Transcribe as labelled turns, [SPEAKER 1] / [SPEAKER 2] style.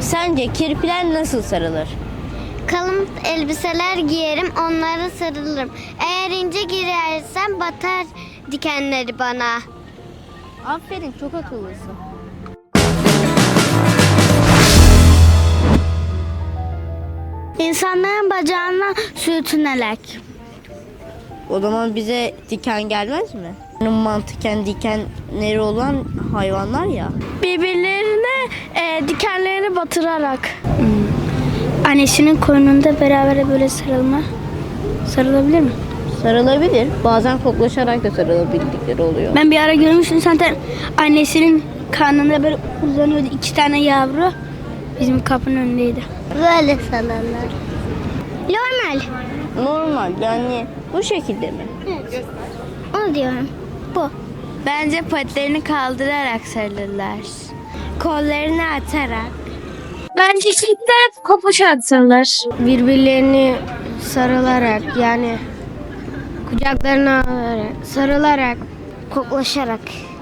[SPEAKER 1] Sence kirpiler nasıl sarılır?
[SPEAKER 2] Kalın elbiseler giyerim, onlara sarılırım. Eğer ince girersem batar dikenleri bana.
[SPEAKER 1] Aferin, çok akıllısın.
[SPEAKER 2] İnsanların bacağına sürtünerek.
[SPEAKER 1] O zaman bize diken gelmez mi? Mantıken dikenleri olan hayvanlar ya.
[SPEAKER 2] Birbirlerine dikenlerini batırarak. Annesinin koynunda beraber böyle sarılma. Sarılabilir mi?
[SPEAKER 1] Sarılabilir. Bazen koklaşarak da sarılabildikleri oluyor.
[SPEAKER 2] Ben bir ara görmüştüm zaten annesinin karnında böyle uzanıyordu 2 tane yavru. Bizim kapının önündeydi. Böyle sarılırlar. Normal.
[SPEAKER 1] Normal, yani bu şekilde mi?
[SPEAKER 2] Evet. Onu diyorum. Bu.
[SPEAKER 3] Bence patilerini kaldırarak sarılırlar.
[SPEAKER 2] Kollarını atarak.
[SPEAKER 3] Bence çiftler kopuş atsalar.
[SPEAKER 2] Birbirlerini sarılarak, yani kucaklarına alarak, sarılarak, koklaşarak.